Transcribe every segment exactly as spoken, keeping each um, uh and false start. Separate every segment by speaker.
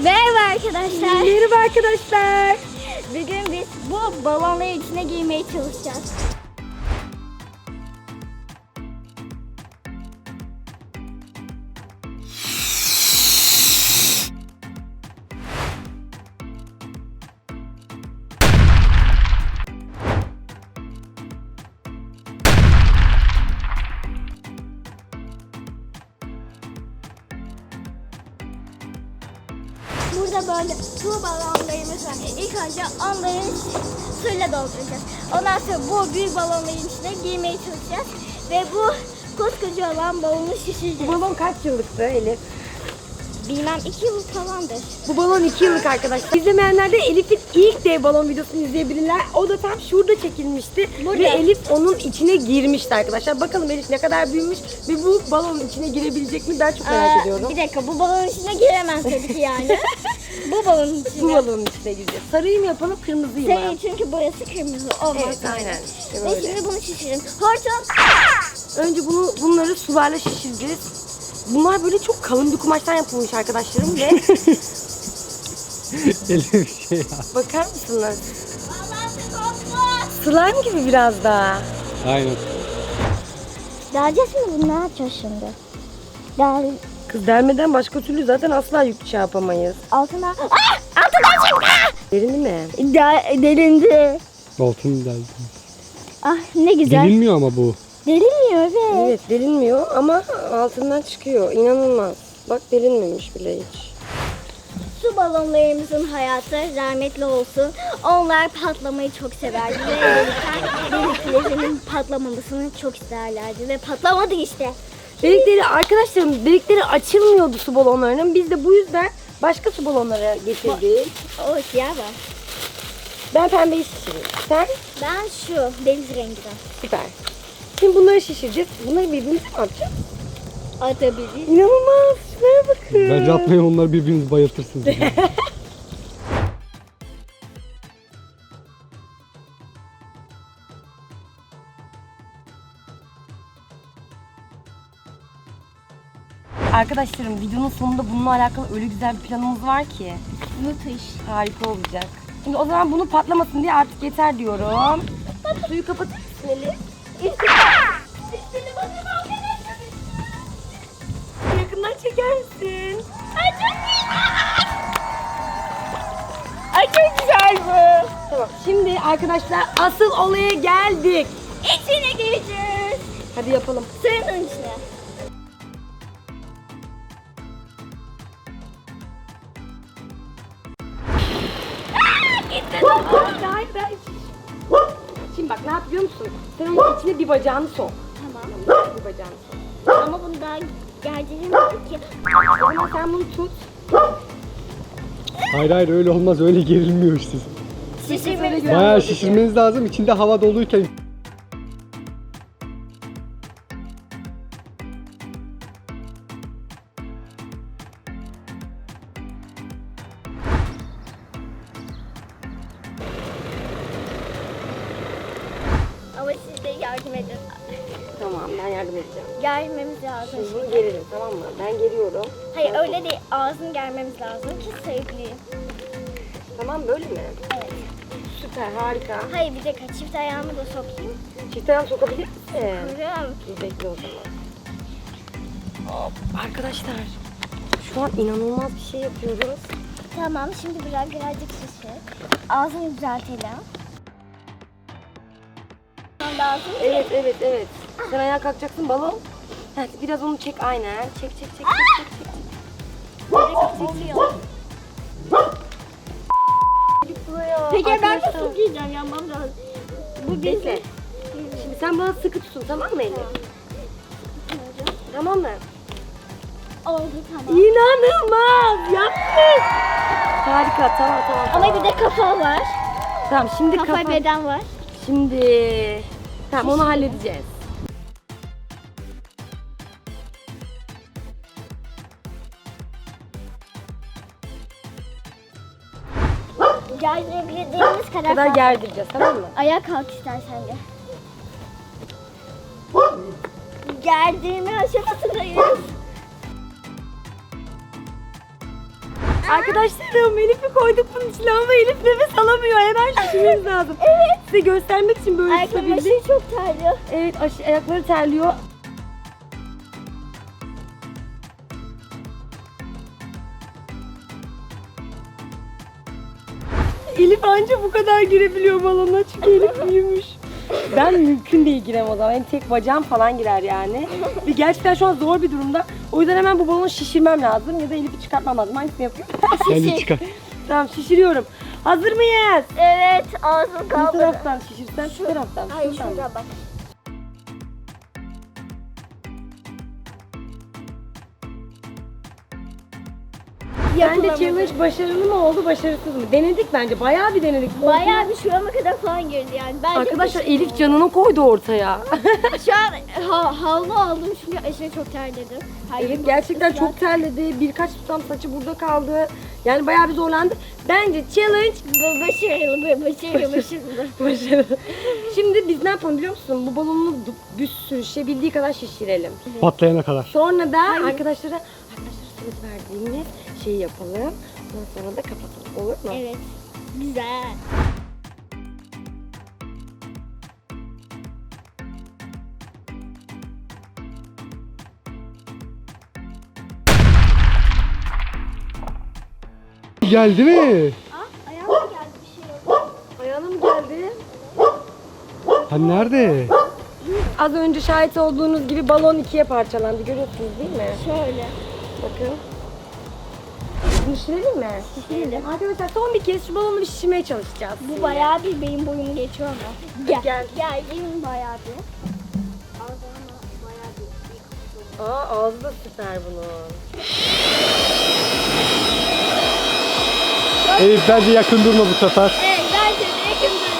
Speaker 1: Merhaba arkadaşlar.
Speaker 2: Merhaba arkadaşlar.
Speaker 1: Bugün biz bu balonları içine giymeye çalışacağız. Burada böyle su balonlarımız var. İlk önce onları suyla dolduracağız. Ondan sonra bu büyük balonların içine giymeye çalışacağız. Ve bu koskoca olan balonu şişireceğiz.
Speaker 2: Bu balon kaç yıllıktı Elif?
Speaker 1: Bilmem iki yıl falandır.
Speaker 2: Bu balon iki yıllık arkadaşlar. İzlemeyenler de Elif'in ilk dev balon videosunu izleyebilirler. O da tam şurada çekilmişti.
Speaker 1: Burada.
Speaker 2: Ve Elif onun içine girmişti arkadaşlar. Bakalım Elif ne kadar büyümüş ve bu balonun içine girebilecek mi? Ben çok merak
Speaker 1: Aa,
Speaker 2: ediyorum.
Speaker 1: Bir dakika, bu balonun içine giremez tabii ki yani. Bu balonun içine.
Speaker 2: Bu balonun içine gireceğiz. Sarıyı mı yapalım, kırmızıyı mı?
Speaker 1: Sarı, çünkü burası kırmızı olmaz.
Speaker 2: Evet, aynen. İşte
Speaker 1: Ve
Speaker 2: böyle.
Speaker 1: şimdi bunu şişirelim. Hortum.
Speaker 2: Önce bunu bunları sularla şişireceğiz. Bunlar böyle çok kalın bir kumaştan yapılmış arkadaşlarım ve
Speaker 3: Elif şey ya.
Speaker 2: bakar mısınız?
Speaker 1: Allah'ım korkma.
Speaker 2: Slime gibi biraz daha.
Speaker 3: Aynen.
Speaker 1: Deleceğiz mi bunu? Ne yapacağız şimdi? Del...
Speaker 2: Kız delmeden başka türlü zaten asla yük şey yapamayız.
Speaker 1: Altına... Ah! Altından çıktı!
Speaker 2: Derin mi?
Speaker 1: De delindi.
Speaker 3: Altın deldi.
Speaker 1: Ah ne güzel.
Speaker 3: Delinmiyor ama bu.
Speaker 1: Delinmiyor evet.
Speaker 2: Evet delinmiyor ama altından çıkıyor. İnanılmaz. Bak delinmemiş bile hiç.
Speaker 1: Su balonlarımızın hayatı rahmetli olsun. Onlar patlamayı çok severdi ve deliklerinin patlamamasını çok isterlerdi ve patlamadı işte.
Speaker 2: Delikleri arkadaşlarım delikleri açılmıyordu su balonlarının. Biz de bu yüzden başka su balonları getirdik.
Speaker 1: O siyah var.
Speaker 2: Ben pembeyi şişireyim. Sen?
Speaker 1: Ben şu deniz rengiden.
Speaker 2: Süper. Şimdi bunları şişireceğiz. Bunları birbirimize mi atacağız?
Speaker 1: Atabilir.
Speaker 2: İnanılmaz. Şuraya bakın.
Speaker 3: Bence atmayın, onlar birbirinizi bayıltırsınız. Yani.
Speaker 2: Arkadaşlarım videonun sonunda bununla alakalı öyle güzel bir planımız var ki.
Speaker 1: Müthiş.
Speaker 2: Harika olacak. Şimdi o zaman bunu patlamasın diye artık yeter diyorum. Suyu kapatır mısın Elif? Yakından çeker misin?
Speaker 1: Ay çok iyi. Ay çok güzel bu.
Speaker 2: Tamam. Şimdi arkadaşlar asıl olaya geldik.
Speaker 1: İçine gireceğiz.
Speaker 2: Hadi yapalım.
Speaker 1: Suyun içine.
Speaker 2: Hayır, hayır, hayır. Şimdi bak ne yap biliyor musun? Sen onun içine bir bacağını sok.
Speaker 1: Tamam.
Speaker 2: Bir bacağını sok.
Speaker 1: Ama bunu daha gerdiremedik ki.
Speaker 2: O zaman sen bunu tut.
Speaker 3: Hayır hayır, öyle olmaz, öyle gerilmiyor işte.
Speaker 1: Şişirmemiz
Speaker 3: Bayağı şişirmeniz lazım, içinde hava doluyken.
Speaker 1: Ama siz de yardım edin.
Speaker 2: Tamam ben yardım edeceğim.
Speaker 1: Germemiz lazım.
Speaker 2: Şimdi bunu gerilim tamam mı? Ben geriyorum.
Speaker 1: Hayır öyle değil. Ağzını germemiz lazım ki sayıklayayım.
Speaker 2: Tamam böyle mi?
Speaker 1: Evet.
Speaker 2: Süper harika.
Speaker 1: Hayır bir dakika çift ayağımı da sokayım.
Speaker 2: Çift ayağını sokabilir misin?
Speaker 1: Kırım.
Speaker 2: Dur bekle o zaman. Hop, arkadaşlar şu an inanılmaz bir şey yapıyoruz.
Speaker 1: Tamam şimdi biraz birazcık şişir. Ağzını düzeltelim. Lazım.
Speaker 2: Evet evet evet. Sen ayağa kalkacaksın balon. Heh, biraz onu çek aynen. Çek çek çek çek çek çek.
Speaker 1: Oluyor.
Speaker 2: Buraya.
Speaker 1: Peki ben
Speaker 2: Arkadaşlar,
Speaker 1: nasıl giyeceğim yanmam lazım. Bu
Speaker 2: bekle.
Speaker 1: gezi.
Speaker 2: Şimdi sen bana sıkı tutun tamam mı Elif? Tamam mı?
Speaker 1: Oldu tamam.
Speaker 2: İnanılmaz yaptık. Harika tamam tamam.
Speaker 1: Ama
Speaker 2: tamam.
Speaker 1: bir de kafa var.
Speaker 2: Tamam şimdi
Speaker 1: Kafa,
Speaker 2: kafa.
Speaker 1: beden var.
Speaker 2: Şimdi tamam onu halledeceğiz.
Speaker 1: Gerdirebildiğimiz kadar,
Speaker 2: kadar gerdireceğiz tamam mı?
Speaker 1: Ayağa kalk istersen de. Gerdirme aşamasındayız.
Speaker 2: Arkadaşlarım Elif'i koyduk bunun içine ama Elif nefes alamıyor. Hemen şişirmemiz lazım. Evet. Size göstermek için böyle
Speaker 1: Ayakkabı
Speaker 2: tutabildik.
Speaker 1: çok terliyor.
Speaker 2: Evet aş- ayakları terliyor. Elif anca bu kadar girebiliyor balona çünkü Elif büyümüş. Ben mümkün değil giremem o zaman. Benim tek bacağım falan girer yani. Ve gerçekten şu an zor bir durumda. O yüzden hemen bu balonu şişirmem lazım ya da Elif'i çıkartmam lazım. Hangisini yapayım?
Speaker 3: Bence çıkar.
Speaker 2: Tamam şişiriyorum. Hazır mıyız?
Speaker 1: Evet ağzım
Speaker 2: Bu
Speaker 1: kaldı.
Speaker 2: taraftan şişirsen şu taraftan.
Speaker 1: Hayır
Speaker 2: şuradan.
Speaker 1: şurada bak.
Speaker 2: Bence
Speaker 1: Yapılamadı.
Speaker 2: challenge başarılı mı oldu, başarısız mı? Denedik bence. Bayağı bir denedik.
Speaker 1: Bayağı bir şurama kadar falan girdi yani. Bence
Speaker 2: Arkadaşlar
Speaker 1: kesin
Speaker 2: Elif
Speaker 1: oldu.
Speaker 2: canını koydu ortaya.
Speaker 1: Şu an ha, havlu aldım çünkü aşırı çok terledim. Hayır,
Speaker 2: Elif gerçekten
Speaker 1: ıslak.
Speaker 2: çok terledi. Birkaç tutam saçı burada kaldı. Yani bayağı bir zorlandı. Bence challenge
Speaker 1: Bu başarılı, bu başarılı, başarılı.
Speaker 2: başarılı. Şimdi biz ne yapalım biliyor musun? Bu balonunu du- bir sürü şişebildiği kadar şişirelim.
Speaker 3: Patlayana kadar.
Speaker 2: Sonra da arkadaşlara arkadaşlara söz verdiğimiz şeyi yapalım. Ondan sonra da kapatalım. Olur mu?
Speaker 1: Evet. Güzel.
Speaker 3: Geldi mi?
Speaker 1: Aa, ayağıma geldi bir şey yok.
Speaker 2: Ayağına mı geldi?
Speaker 3: Ha nerede?
Speaker 2: Az önce şahit olduğunuz gibi balon ikiye parçalandı. Görüyorsunuz değil mi?
Speaker 1: Şöyle.
Speaker 2: Bakın. Bunu şişirelim mi?
Speaker 1: Şişirelim.
Speaker 2: Arkadaşlar son bir kez şu balonu bir şişirmeye çalışacağız.
Speaker 1: Bu bayağı bir beyin boyunu geçiyor ama. Gel.
Speaker 2: Gel.
Speaker 1: Gel. Gelin bayağı bir. Ağzına bayağı bir.
Speaker 2: Aa ağzı da süper bunun.
Speaker 3: Elif bence yakın durma bu sefer.
Speaker 1: Evet bence de yakın durun.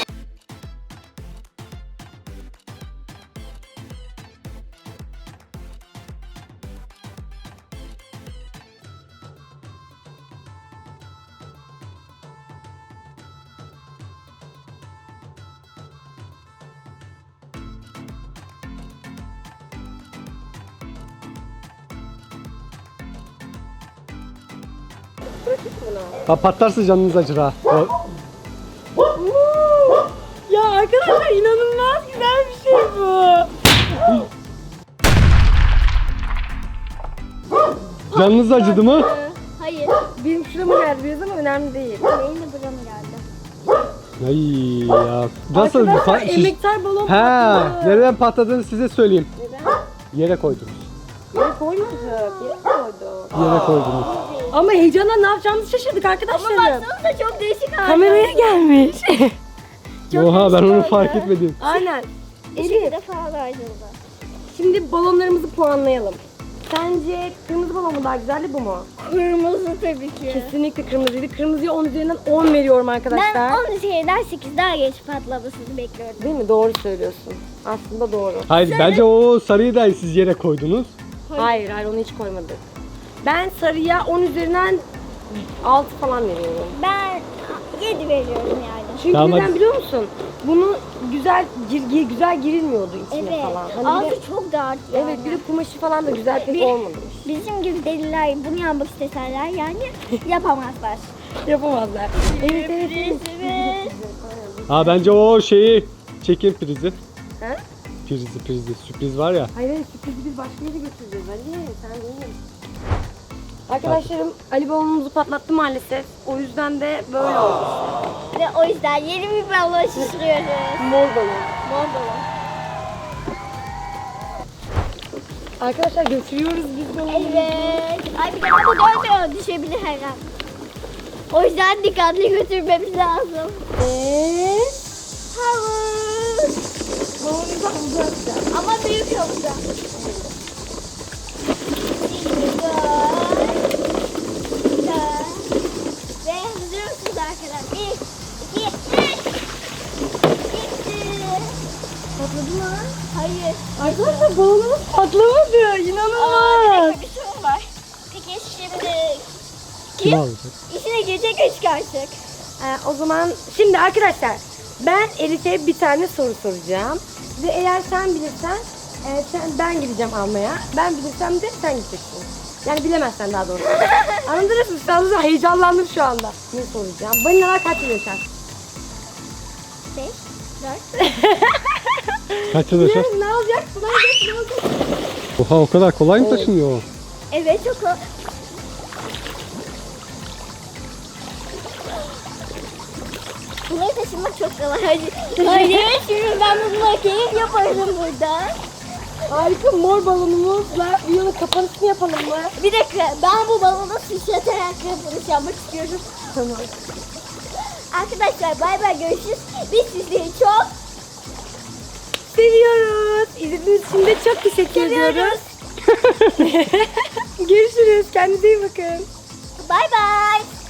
Speaker 2: Bırakayım mı bunu?
Speaker 3: Ha patlarsa canınız acır ha. O-
Speaker 2: Ya arkadaşlar inanılmaz güzel bir şey bu.
Speaker 3: Canınız acıdı mı?
Speaker 1: Ee, Hayır.
Speaker 2: Benim şurama geldi biraz ama önemli değil.
Speaker 1: Benim de burama geldi.
Speaker 3: Ay ya. Nasıl bir
Speaker 2: Arkadaşlar
Speaker 3: pa- şiş-
Speaker 2: emektar balon
Speaker 3: Ha,
Speaker 2: patladı.
Speaker 3: nereden patladığını size söyleyeyim.
Speaker 2: Neden?
Speaker 3: Yere koydunuz.
Speaker 2: Yere koymadık. Yere koyduk.
Speaker 3: Yere koydunuz.
Speaker 2: Ama heyecandan ne yapacağımızı şaşırdık
Speaker 1: Ama
Speaker 2: arkadaşlarım.
Speaker 1: baksanıza çok değişik hali.
Speaker 2: Kameraya gelmiş.
Speaker 1: Çok
Speaker 3: Oha ben
Speaker 1: değişik
Speaker 3: onu
Speaker 1: oldu.
Speaker 3: fark etmedim.
Speaker 2: Aynen.
Speaker 1: Bir
Speaker 2: Elif,
Speaker 1: şekilde falan ayrıldı.
Speaker 2: şimdi balonlarımızı puanlayalım. Sence kırmızı balon mu daha güzeldi bu mu?
Speaker 1: Kırmızı tabii ki.
Speaker 2: Kesinlikle kırmızıydı. Kırmızıya on üzerinden on veriyorum arkadaşlar.
Speaker 1: Ben on üzerinden sekiz daha geç patlamasını bekliyordum.
Speaker 2: Değil mi? Doğru söylüyorsun. Aslında doğru.
Speaker 3: Hayır bence o sarıyı da siz yere koydunuz.
Speaker 2: Hayır, hayır onu hiç koymadık. Ben sarıya on üzerinden altı falan veriyorum.
Speaker 1: Ben yedi veriyorum yani.
Speaker 2: Çünkü
Speaker 3: Tamam,
Speaker 2: neden
Speaker 3: hadi.
Speaker 2: biliyor musun? Bunu güzel gir, gir- güzel girilmiyordu içine
Speaker 1: Evet.
Speaker 2: falan. Hani bir de,
Speaker 1: Altı çok dar yani.
Speaker 2: evet bir de kumaşı falan da güzel pek
Speaker 1: Bir-
Speaker 2: olmadı.
Speaker 1: Bizim gibi deliler bunu yapmak isteseler yani yapamazlar.
Speaker 2: Yapamazlar. Evet evet evet.
Speaker 1: Evet.
Speaker 3: Ha bence o şeyi çekin prizi.
Speaker 2: Ha?
Speaker 3: Prizi prizi sürpriz var ya.
Speaker 2: Hayır hayır sürprizi biz başka yere götüreceğiz Ali. Sen değil. Arkadaşlarım Ali balonumuzu patlattı maalesef. O yüzden de böyle oldu.
Speaker 1: Ve o yüzden yeni bir balon şişiriyoruz.
Speaker 2: Mor balon.
Speaker 1: Mor balon.
Speaker 2: Arkadaşlar götürüyoruz biz balonu.
Speaker 1: Evet. Ay bir de bu dönmüyor. Düşebilir her an. O yüzden dikkatli götürmemiz lazım.
Speaker 2: Eee?
Speaker 1: Havuz.
Speaker 2: Balonumuzu havuza atacağız.
Speaker 1: Ama büyük havuza. Güzel. Ve hazır mısınız arkadaşlar? Bir, iki, üç. Gitti.
Speaker 2: Patladı mı?
Speaker 1: Hayır.
Speaker 2: Arkadaşlar balonumuz patlamadı.
Speaker 1: Aa, bir
Speaker 2: İnanılmaz.
Speaker 1: dakika bir sorun var. Peki şimdi
Speaker 3: Kim
Speaker 1: kim
Speaker 3: alacak?
Speaker 1: işine girecek ve çıkaracak?
Speaker 2: Ee, o zaman şimdi arkadaşlar ben Elif'e bir tane soru soracağım. Ve eğer sen bilirsen e, sen, ben gideceğim almaya. Ben bilirsem de sen gideceksin. Yani bilemezsen daha doğrusu. Anladınız mı? Sen de heyecanlandım şu anda. Ne soracağım? Balinalar kaç yıl yaşar?
Speaker 1: beş, dört.
Speaker 3: Kaç yıl yaşar?
Speaker 2: Ne, ne olacak? Ne olacak? Ne olacak?
Speaker 3: Oha o kadar kolay mı
Speaker 2: Evet.
Speaker 3: taşınıyor o?
Speaker 1: Evet çok o. Bunları taşımak çok kolay. Hadi. Hayır şimdi ben bununla keyif yaparım burada.
Speaker 2: Harika mor balonumuzla videonun kapanışını yapalım mı?
Speaker 1: Bir dakika ben bu balonu sıçratarak yapılış yapmak istiyorum.
Speaker 2: Tamam.
Speaker 1: Arkadaşlar bay bay görüşürüz. Biz sizleri çok
Speaker 2: Seviyoruz. İzlediğiniz için de çok teşekkür ediyoruz.
Speaker 1: seviyoruz.
Speaker 2: Görüşürüz. Kendinize iyi bakın.
Speaker 1: Bay bay.